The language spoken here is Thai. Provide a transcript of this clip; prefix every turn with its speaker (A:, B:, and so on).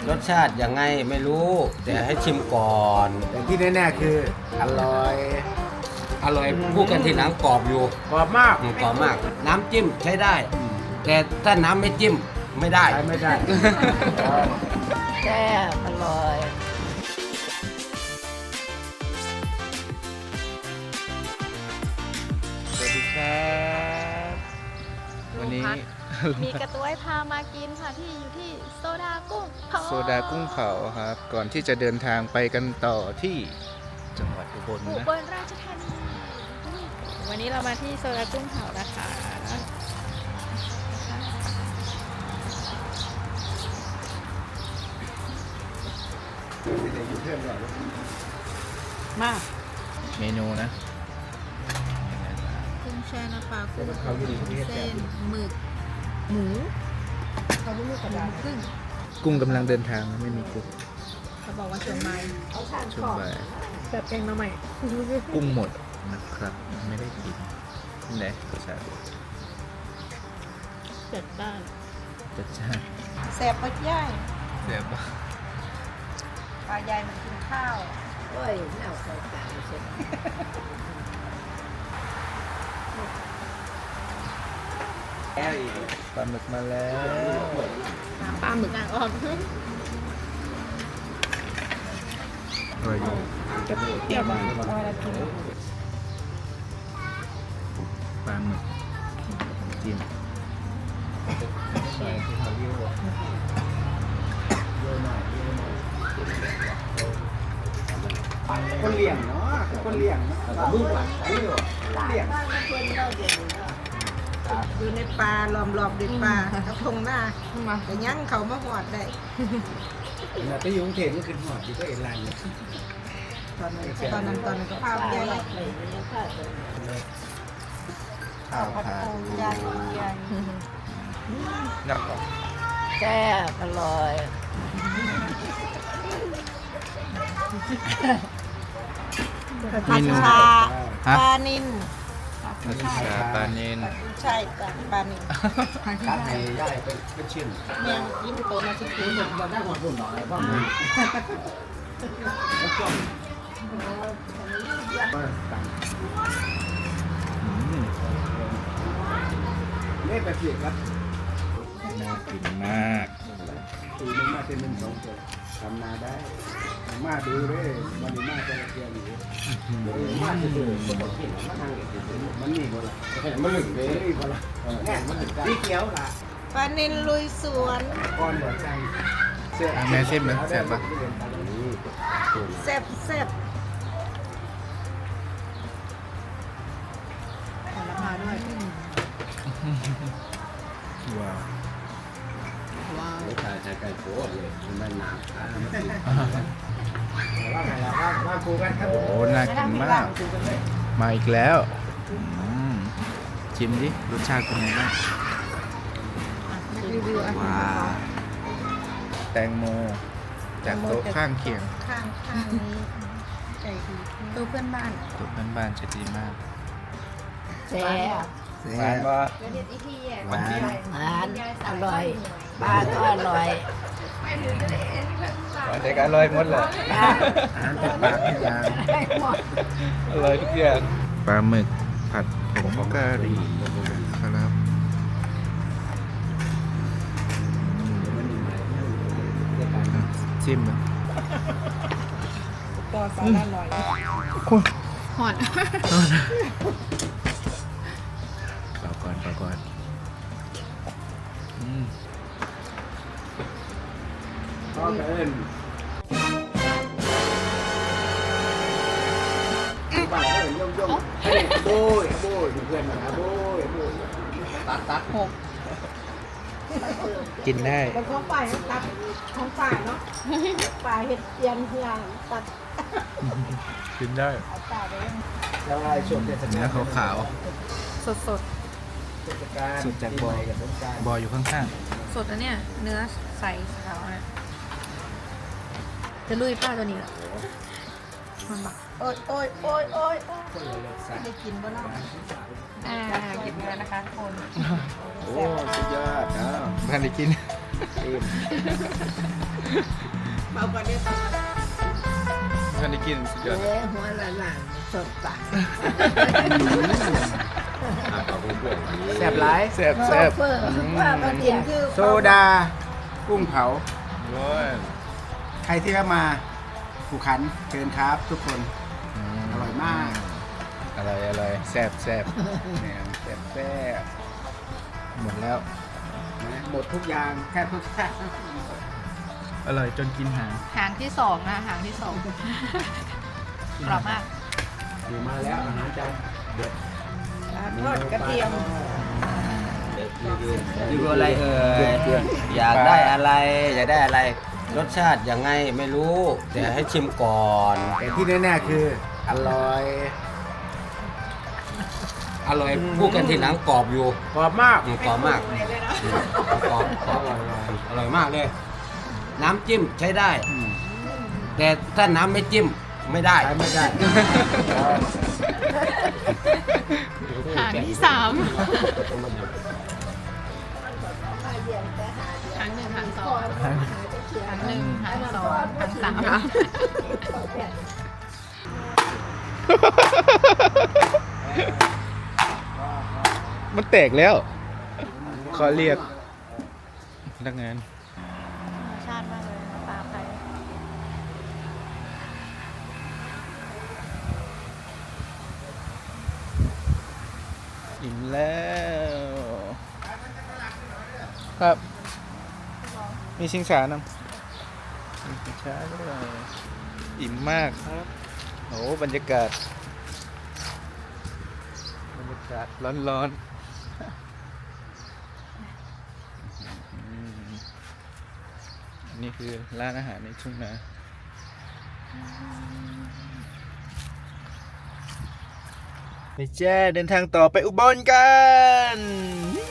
A: รสชาติยังไงไม่รู้ แต่ให้ชิมก่อน
B: แต่ที่แน่ๆคืออร่อย
A: อร่อยพูดกันทีหลังกรอบอยู่
B: กรอบมาก
A: กรอบมาก น้ำจิ้มใช้ได้ แต่ถ้าน้ำไม่จิ้มไม่ได้
B: ใช้ไม่ได้
C: แซ่บอร่อย
D: สวัสดีครับวันนี้
E: มีกระตุ้ยพามากินค่ะที่อยู่ที่โซดากุ้งเผา
D: โซดากุ้งเผาครับ ก่อนที่จะเดินทางไปกันต่อที่จังหวัดอุบล
E: อุ
D: นะ
E: บลราชธานีวันนี้เรามาที่โซดากุ้งเผานะคะมา
D: เมนูนะ
E: กุ้งแช่น้ำปลากุ้งเส้นหมึกหมูเขาลูกกระดาษครึ่ง
D: กุ้งกำลังเดินทางนะไม่มีกุ้ง
E: เขาบอกว่าช่วงบ่าย
D: ช่วงบ่าย
E: แบบแกงมาใหม่
D: กุ้งหมดนะครับ ไม่ได้กินไหนรสชาติ
E: จัดบ้าน
D: จัดจ้าน
C: แซ่บปักย่าย
D: เสียบ
C: ปลายายมันกินข้าวโอ้ยน่าสงสารเสีย
D: ปลาหมึกมาแล้ว
E: ปลาหมึกนางออก
D: อร่อยอยู่
E: เปรี้ยวบ้าง
D: ปลาหมึกจิ้ม
B: คนเลี้ยงเนาะคนเลี้ยงลูกหลานเลี้ยง
C: อยู่ในป่าล้อมรอบด้วยป่ากระพงหน้าแต่ยังเขามาหอดได้
B: ไปอยู่กรุงเทพนี่คือหอดอยู่ก็เอ็นไลน์
C: ตอนนั้นก็พาไปยาย
D: ข้าวผัด
C: ยายยาย
D: นัก
C: แซ่บอร่อย
D: เมนู
C: ชา
D: ฮะ
C: ปลานิน
D: ผัดชาปลาเนน
C: ใช่จ้ะปลานิน
B: ร้านไหนย่ายเป็นชิ้น
C: เมียงยิ้มโตมาสิคือ
B: เราได้หัวรุ่นหน่อยว่ามันแล้วก็ต่าง
D: อืม
B: เล่ไปเปลี่ยนครับ
D: น่ากินมาก
B: ปีนึงมาเป็น1-2ตัวทำนาได้มาดูเลยวันนี้มาจะเกียร์อยู่มาจะดูมันนี่บ่ล่ะมันหลึกเลยนี่บ่ล่ะแน่มันหลึกสีเขียวล่ะ
C: ปลานินลุยสวน
B: ก้อนหัวใจ
D: แม่เส้นไหมแซ่บปะ
C: แซ่บแซ่บ
E: ผลไม้ด้วย
D: ว้าว
E: ว้าว
A: ไม่ใช่ใช้ไก่โป๊ะเลยมันหนา
B: ว่าไงล่ะว่าครูกันครับ
D: โอ้น่ากินมาก มาอีกแล้วอืมชิมดิรสชาติเป็นไงบ้าง
E: รีวิวอาหาร
D: ว้าวแตงโมจากโต๊ะข้างเคียง
C: ข้างนี้ใจดี
E: ตัวเพื่อนบ้าน
D: โต๊ะบ้านๆจะดีมาก
C: แซ่บ
D: หวานปะ
C: หวานอร่อยปลาก็อร่อย
D: หวานแต่ก็อร่อยหมดเลย
B: อาหารจากปากทุกอย่าง
D: อร่อยทุกอย่างปลาหมึกผัดผงกะหรี่ครับจิ้มนะ
C: ต่อสาระหน่อย
E: หอน
D: เปล่าก่อนอืม
B: พ่อเอิญบ้านเอิญย่อมๆให้โบยเพื่อนนะโบยตัด
D: กินได้
C: เป็นของฝ่ายตัดของฝ่ายเนาะฝ่ายเห็ดเตียนเฮียงตัด
D: กินได้
C: เอาฝ่ายไป
B: แล้วไอ้ช่วงเทศกาล
D: เนื้อขาว
E: สดสด
B: เทศกาล
D: สุดจากบ่อ
B: กับสงกรานต์
D: ๆบอยอยู่ข้าง
E: สดนะเนี่ย เนื้อใสขาวนะจะลุยป้าตัวนี้เหรอมันบอก
C: โอ้ยโอ้ยโอ้ยโอ้ยโอ้ยได้กินบ่เนาะ
E: กินเนื้อนะคะทุกคน
B: โอ้สุดยอดนะ
D: ๆบ้านได้กินอิ่ม
C: เบากว่านี้ตอน
D: ท่านได้กินสุดยอด
C: หัวหลานสดตา
B: แซ่บหลาย
D: แซ่บแซ่บ
C: ว่ามันกินคือ
B: โซดากุ้งเผา
D: โอ้ย
B: ใครที่เข้ามาภูขันเชิญครับทุกคน อร่อยมาก
D: อร่อยอร่อยแซ่บแซ่บ
B: เนี่ยแซ่บแซ่บ
D: หมดแล้ว
B: นะหมดทุกอย่างแค่ทุกอย่าง
D: อร่อยจนกินหาง
E: หางที่สองนะหางที่สองกรอบมาก
B: อยู่มาแล้วอาหารจานเด็ด
C: ทอดกระเทียม
A: รีวิวอะไรเอ่ยอยากได้อะไรอยากได้อะไร รสชาติยังไงไม่รู้ แต่ให้ชิมก่อน
B: แต่ที่แน่ๆคืออร่อย
A: อร่อยพูดกันทีหลังกรอบอยู่
B: กรอบมาก
A: กรอบมากกรอบกรอบอร่อยมากเลย น้ำจิ้มใช้ได้ แต่ถ้าน้ำไม่จิ้มไม่ได้
B: ใช้ไม่ได้
E: หางที่สามหางหนึ่งหางสองหางหนึ่งหางสองหางสาม
D: มันแตกแล้ว ขอเรียกพนักงาน
E: ธรรมชาติมากเลยปลาไทย
D: อิ่มแล้ว ครับ มีชิงช้านำมีชิงช้าด้วยอิ่มมากครับโอ้บรรยากาศร้อนๆนี่คือร้านอาหารในทุ่งนาไปแจ้เดินทางต่อไปอุบลกัน